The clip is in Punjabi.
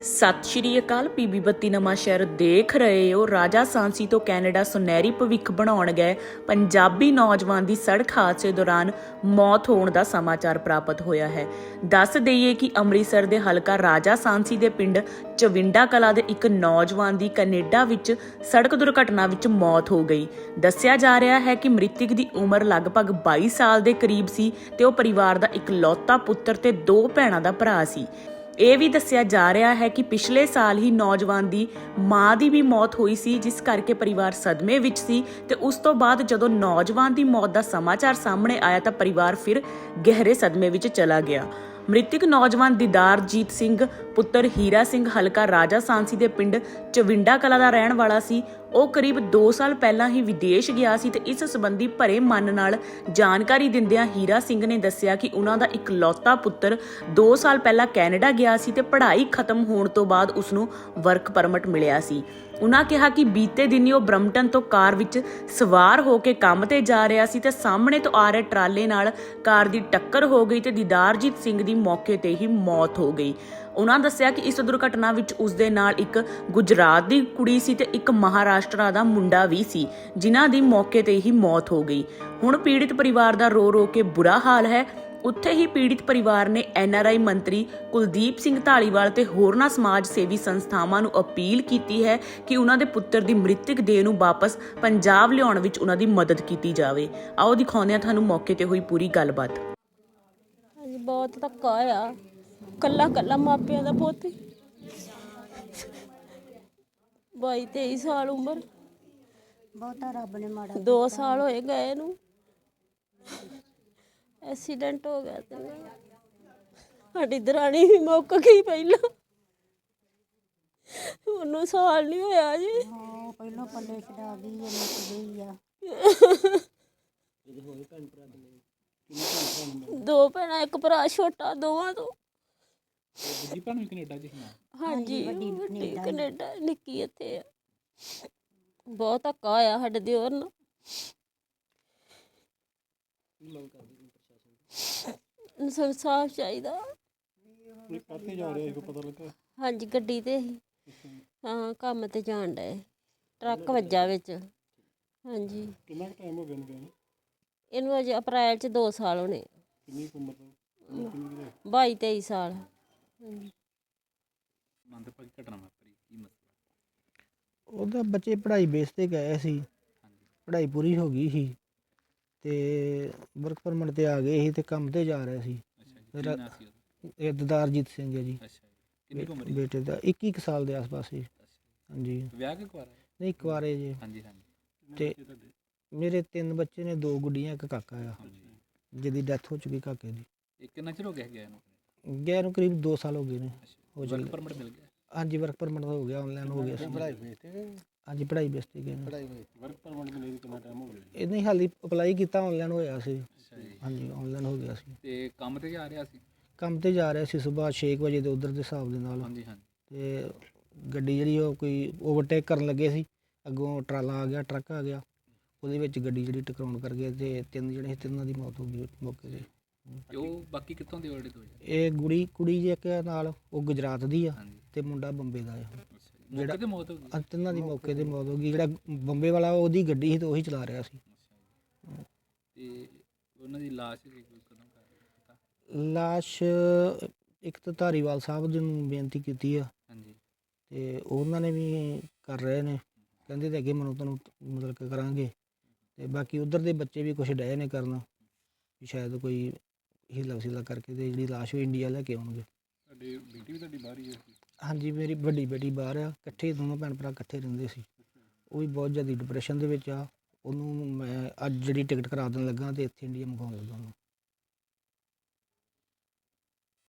ਸਤਿ ਸ਼੍ਰੀ ਅਕਾਲ। ਪੀਬੀ ਬੱਤੀ ਨਵਾਂ ਸ਼ਹਿਰ ਦੇਖ ਰਹੇ ਹੋ। ਰਾਜਾ ਸਾਂਸੀ ਤੋਂ ਕੈਨੇਡਾ ਸੁਨਹਿਰੀ ਭਵਿੱਖ ਬਣਾਉਣ ਗਏ ਪੰਜਾਬੀ ਨੌਜਵਾਨ ਦੀ ਸੜਕ ਹਾਦਸੇ ਦੌਰਾਨ ਮੌਤ ਹੋਣ ਦਾ ਸਮਾਚਾਰ ਪ੍ਰਾਪਤ ਹੋਇਆ ਹੈ। ਦੱਸ ਦਈਏ ਕਿ ਅੰਮ੍ਰਿਤਸਰ ਦੇ ਹਲਕਾ ਰਾਜਾ ਸਾਂਸੀ ਦੇ ਪਿੰਡ ਚਵਿੰਡਾ ਕਲਾਂ ਦੇ ਇੱਕ ਨੌਜਵਾਨ ਦੀ ਕੈਨੇਡਾ ਵਿੱਚ ਸੜਕ ਦੁਰਘਟਨਾ ਵਿੱਚ ਮੌਤ ਹੋ ਗਈ। ਦੱਸਿਆ ਜਾ ਰਿਹਾ ਹੈ ਕਿ ਮ੍ਰਿਤਕ ਦੀ ਉਮਰ ਲਗਭਗ 22 ਸਾਲ ਦੇ ਕਰੀਬ ਸੀ ਤੇ ਉਹ ਪਰਿਵਾਰ ਦਾ ਇਕਲੌਤਾ ਪੁੱਤਰ ਤੇ 2 ਭੈਣਾਂ ਦਾ ਭਰਾ ਸੀ। ਇਹ ਵੀ ਦੱਸਿਆ ਜਾ ਰਿਹਾ ਹੈ ਕਿ ਪਿਛਲੇ ਸਾਲ ਹੀ ਨੌਜਵਾਨ ਦੀ ਮਾਂ ਦੀ ਵੀ ਮੌਤ ਹੋਈ ਸੀ, ਜਿਸ ਕਰਕੇ ਪਰਿਵਾਰ ਸਦਮੇ ਵਿੱਚ ਸੀ ਤੇ ਉਸ ਤੋਂ ਬਾਅਦ ਜਦੋਂ ਨੌਜਵਾਨ ਦੀ ਮੌਤ ਦਾ ਸਮਾਚਾਰ ਸਾਹਮਣੇ ਆਇਆ ਤਾਂ ਪਰਿਵਾਰ ਫਿਰ ਗਹਿਰੇ ਸਦਮੇ ਵਿੱਚ ਚਲਾ ਗਿਆ। ਮ੍ਰਿਤਕ ਨੌਜਵਾਨ ਦੀਦਾਰਜੀਤ ਸਿੰਘ ਪੁੱਤਰ ਹੀਰਾ ਸਿੰਘ ਹਲਕਾ ਰਾਜਾ ਸਾਂਸੀ ਦੇ ਪਿੰਡ ਚਵਿੰਡਾ ਕਲਾਂ ਦਾ ਰਹਿਣ ਵਾਲਾ ਸੀ। ਉਹ ਕਰੀਬ 2 ਸਾਲ ਪਹਿਲਾਂ ਹੀ ਵਿਦੇਸ਼ ਗਿਆ ਸੀ ਤੇ ਇਸ ਸੰਬੰਧੀ ਭਰੇ ਮਨ ਨਾਲ ਜਾਣਕਾਰੀ ਦਿੰਦਿਆਂ ਹੀਰਾ ਸਿੰਘ ਨੇ ਦੱਸਿਆ ਕਿ ਉਹਨਾਂ ਦਾ ਇਕਲੌਤਾ ਪੁੱਤਰ 2 ਸਾਲ ਪਹਿਲਾਂ ਕੈਨੇਡਾ ਗਿਆ ਸੀ ਤੇ ਪੜ੍ਹਾਈ ਖਤਮ ਹੋਣ ਤੋਂ ਬਾਅਦ ਉਸ ਨੂੰ ਵਰਕ ਪਰਮਿਟ ਮਿਲਿਆ ਸੀ। ਉਹਨਾਂ ਕਿਹਾ ਕਿ ਬੀਤੇ ਦਿਨੀ ਉਹ ਬ੍ਰਮਟਨ ਤੋਂ ਕਾਰ ਵਿੱਚ ਸਵਾਰ ਹੋ ਕੇ ਕੰਮ ਤੇ ਜਾ ਰਿਹਾ ਸੀ ਤੇ ਸਾਹਮਣੇ ਤੋਂ ਆ ਰਹੇ ਟਰਾਲੇ ਨਾਲ ਕਾਰ ਦੀ ਟੱਕਰ ਹੋ ਗਈ ਤੇ ਦੀਦਾਰਜੀਤ ਸਿੰਘ ਦੀ ਮੌਕੇ ਤੇ ਹੀ ਮੌਤ ਹੋ ਗਈ। ਉਹਨਾਂ ਦੱਸਿਆ ਕਿ ਇਸ ਦੁਰਘਟਨਾ ਵਿੱਚ ਉਸ ਦੇ ਨਾਲ ਇੱਕ ਗੁਜਰਾਤ ਦੀ ਕੁੜੀ ਸੀ ਤੇ ਇੱਕ ਮਹਾਰਾਸ਼ਟਰ ਦਾ ਮੁੰਡਾ ਵੀ ਸੀ, ਜਿਨ੍ਹਾਂ ਦੀ ਮੌਕੇ ਤੇ ਹੀ ਮੌਤ ਹੋ ਗਈ। ਹੁਣ ਪੀੜਿਤ ਪਰਿਵਾਰ ਦਾ ਰੋ ਰੋ ਕੇ ਬੁਰਾ ਹਾਲ ਹੈ। ਉੱਥੇ ਹੀ ਪੀੜਿਤ ਪਰਿਵਾਰ ਨੇ NRI ਮੰਤਰੀ ਕੁਲਦੀਪ ਸਿੰਘ ਧਾਲੀਵਾਲ ਤੇ ਹੋਰਨਾਂ ਸਮਾਜ ਸੇਵੀ ਸੰਸਥਾਵਾਂ ਨੂੰ ਅਪੀਲ ਕੀਤੀ ਹੈ ਕਿ ਉਹਨਾਂ ਦੇ ਪੁੱਤਰ ਦੀ ਮ੍ਰਿਤਕ ਦੇਹ ਨੂੰ ਵਾਪਸ ਪੰਜਾਬ ਲਿਆਉਣ ਵਿੱਚ ਉਹਨਾਂ ਦੀ ਮਦਦ ਕੀਤੀ ਜਾਵੇ। ਆਓ ਦਿਖਾਉਂਦੇ ਹਾਂ ਤੁਹਾਨੂੰ ਮੌਕੇ ਤੇ ਹੋਈ ਪੂਰੀ ਗੱਲਬਾਤ। ਬਹੁਤ ਧੱਕਾ ਹੋਇਆ, ਕੱਲਾ ਕੱਲਾ ਮਾਪਿਆਂ ਦਾ ਪੁੱਤ 22-23 ਸਾਲ ਉਮਰ, ਬਹੁਤਾ ਰੱਬ ਨੇ ਮਾੜਾ 2 ਸਾਲ ਹੋਏ ਗਏ ਨੂੰ। ਐਕਸੀਡੈਂਟ ਹੋ ਗਿਆ ਤੇ ਸਾਡੀ ਦਰਾਣੀ ਵੀ ਮੁੱਕ ਗਈ ਪਹਿਲਾਂ, ਉਹਨੂੰ ਸਾਲ ਨਹੀਂ ਹੋਇਆ ਜੀ। ਹਾਂ ਪਹਿਲਾਂ ਪੱਲੇ ਛਡਾ ਗਈ ਇਹ ਮੁੱਕ ਗਈ ਆ। 2 ਭੈਣਾਂ, ਇੱਕ ਭਰਾ ਛੋਟਾ ਦੋਵਾਂ ਤੋਂ। ਦੂਜੀ ਭੈਣ ਵੀ ਕੈਨੇਡਾ ਚ ਸੀ? ਹਾਂਜੀ, ਵੱਡੀ ਕੈਨੇਡਾ, ਨਿੱਕੀ ਇੱਥੇ ਆ। ਬਹੁਤ ਧੱਕਾ ਹੋਇਆ ਸਾਡੇ ਦਿਓਰ ਨਾਲ। ਇਨਸਾਫ ਚਾਹੀਦਾ। ਕਾਹਤੇ ਜਾ ਰਿਹਾ ਸੀ ਪਤਾ ਲੱਗਾ? ਹਾਂਜੀ, ਗੱਡੀ ਤੇ ਹੀ। ਹਾਂ, ਕੰਮ ਤੇ ਜਾਣ ਡਏ, ਟਰੱਕ ਵੱਜਾ ਵਿੱਚ। ਹਾਂਜੀ। ਕਿੰਨਾ ਟਾਈਮ ਹੋ ਗਿਆ ਇਹਨੂੰ ਗਏ ਨੂੰ? ਇਹਨੂੰ ਅਜੇ ਅਪ੍ਰੈਲ 'ਚ 2 ਸਾਲ ਹੋਣੇ। ਕਿੰਨੀ ਕੁ ਉਮਰ ਦਾ? 22-23 ਸਾਲ। ਹਾਂਜੀ। ਮੰਦਭਾਗੀ ਘਟਨਾ ਵਾਪਰੀ, ਕੀ ਮਸਲਾ? ਉਹਦਾ ਬੱਚੇ ਪੜ੍ਹਾਈ ਬੇਸ ਤੇ ਗਏ ਸੀ, ਪੜ੍ਹਾਈ ਪੂਰੀ ਹੋ ਗਈ ਸੀ ਤੇ ਵਰਕ ਪਰਮਿਟ ਤੇ ਆ ਗਏ ਸੀ ਤੇ ਕੰਮ ਤੇ ਜਾ ਰਹੇ ਸੀ। ਅੱਛਾ ਜੀ, ਸੀ ਉਹਦਾ? ਇਹ ਦੀਦਾਰਜੀਤ ਸਿੰਘ ਹੈ ਜੀ। ਅੱਛਾ ਜੀ, ਕਿੰਨੀ ਕੁ ਉਮਰ ਸੀ? ਬੇਟੇ ਦਾ 21 ਸਾਲ ਦੇ ਆਸ-ਪਾਸ ਸੀ। ਹਾਂਜੀ। ਵਿਆਹ ਕੇ ਕੁਆਰਾ? ਨਹੀਂ, ਕੁਆਰੇ ਜੀ। ਹਾਂਜੀ ਹਾਂਜੀ। ਤੇ ਮੇਰੇ 3 ਬੱਚੇ ਨੇ, 2 ਗੁੱਡੀਆਂ, ਇੱਕ ਕਾਕਾ ਆ ਜਿਹਦੀ ਡੈਥ ਹੋ ਚੁੱਕੀ ਕਾਕੇ ਦੀ। ਇਹ ਕਿੰਨਾ ਚਿਰ ਹੋ ਗਿਆ ਗਿਆ ਇਹਨੂੰ? ਗਿਆ ਨੂੰ ਕਰੀਬ 2 ਸਾਲ ਹੋ ਗਏ ਨੇ। ਹੋ ਵਰਕ ਪਰਮਿਟ ਮਿਲ ਗਿਆ? ਹਾਂਜੀ, ਵਰਕ ਪਰਮਿਟ ਹੋ ਗਿਆ, ਆਨਲਾਈਨ ਹੋ ਗਿਆ ਸੀ। ਪੜ੍ਹਾਈ ਬੇਸ ਤੇ ਗਏ? ਹਾਂਜੀ, ਪੜ੍ਹਾਈ ਬੇਸ ਤੇ ਗਏ ਨੇ। ਵਰਕ ਪਰਮਿਟ ਮਿਲੇ ਕਿੰਨਾ ਟਾਈਮ ਹੋ ਗਿਆ? ਇਹ ਨਹੀਂ, ਹਾਲੀ ਅਪਲਾਈ ਕੀਤਾ, ਆਨਲਾਈਨ ਹੋਇਆ ਸੀ। ਅੱਛਾ ਜੀ। ਹਾਂਜੀ, ਆਨਲਾਈਨ ਹੋ ਗਿਆ ਸੀ। ਤੇ ਕੰਮ ਤੇ ਜਾ ਰਿਹਾ ਸੀ? ਕੰਮ ਤੇ ਜਾ ਰਿਹਾ ਸੀ ਸੁਬਾਹ 6 ਵਜੇ ਦੇ ਉਧਰ ਦੇ ਹਿਸਾਬ ਦੇ ਨਾਲ। ਹਾਂਜੀ ਹਾਂਜੀ। ਤੇ ਗੱਡੀ ਜਿਹੜੀ ਉਹ ਕੋਈ ਓਵਰਟੇਕ ਕਰਨ ਲੱਗੇ ਸੀ, ਅੱਗੋਂ ਟਰਾਲਾ ਆ ਗਿਆ, ਟਰੱਕ ਆ ਗਿਆ, ਉਹਦੇ ਵਿੱਚ ਗੱਡੀ ਜਿਹੜੀ ਟਕਰਾਉਣ ਕਰ ਗਈ ਤੇ 3 ਜਣੇ, 3 ਦੀ ਮੌਤ ਹੋ ਗਈ ਮੌਕੇ 'ਤੇ। ਤੇ ਉਹ ਬਾਕੀ ਕਿੱਥੋਂ ਦੇ ਆਲਰੇਡੀ ਦੋ? ਇਹ ਕੁੜੀ ਜੇ ਇੱਕ ਨਾਲ, ਉਹ ਗੁਜਰਾਤ ਦੀ ਆ ਹਾਂਜੀ। ਤੇ ਮੁੰਡਾ ਬੰਬੇ ਦਾ ਆ। ਜਿਹੜਾ ਤੇ ਮੌਤ ਹੋ ਗਈ? 3 ਦੀ ਮੌਕੇ 'ਤੇ ਮੌਤ ਹੋ ਗਈ। ਜਿਹੜਾ ਬੰਬੇ ਵਾਲਾ ਉਹਦੀ ਗੱਡੀ ਸੀ ਤੇ ਉਹੀ ਚਲਾ ਰਿਹਾ ਸੀ। ਤੇ ਉਹਨਾਂ ਦੀ ਲਾਸ਼ ਕਦੋਂ ਪਤਾ? ਲਾਸ਼ ਇੱਕ ਤਾਂ ਧਾਰੀਵਾਲ ਸਾਹਿਬ ਜੀ ਨੂੰ ਬੇਨਤੀ ਕੀਤੀ ਆ ਹਾਂਜੀ। ਤੇ ਉਹਨਾਂ ਨੇ ਵੀ ਕਰ ਰਹੇ ਨੇ, ਕਹਿੰਦੇ ਤੇ ਅੱਗੇ ਮੈਨੂੰ ਤੁਹਾਨੂੰ ਮਤਲਬ ਕਿ ਕਰਾਂਗੇ। ਤੇ ਬਾਕੀ ਉਧਰ ਦੇ ਬੱਚੇ ਵੀ ਕੁਛ ਡਏ ਨੇ ਕਰਨ ਵੀ ਸ਼ਾਇਦ ਕੋਈ ਹੀਲਾ ਵਸੀਲਾ ਕਰਕੇ ਤੇ ਜਿਹੜੀ ਲਾਸ਼ ਉਹ ਇੰਡੀਆ ਲੈ ਕੇ ਆਉਣਗੇ। ਤੁਹਾਡੀ ਬੇਟੀ ਵੀ ਤੁਹਾਡੀ ਬਾਹਰ ਹੀ ਹੈ? ਹਾਂਜੀ, ਮੇਰੀ ਵੱਡੀ ਬੇਟੀ ਬਾਹਰ ਆ। ਇਕੱਠੇ ਦੋਨੋਂ ਭੈਣ ਭਰਾ ਇਕੱਠੇ ਰਹਿੰਦੇ ਸੀ। ਉਹ ਵੀ ਬਹੁਤ ਜ਼ਿਆਦਾ ਡਿਪਰੈਸ਼ਨ ਦੇ ਵਿੱਚ ਆ। ਉਹਨੂੰ ਮੈਂ ਅੱਜ ਜਿਹੜੀ ਟਿਕਟ ਕਰਾ ਦੇਣ ਲੱਗਾ ਤੇ ਇੱਥੇ ਇੰਡੀਆ ਮੰਗਵਾਉਣ ਲੱਗਾ ਉਹਨੂੰ।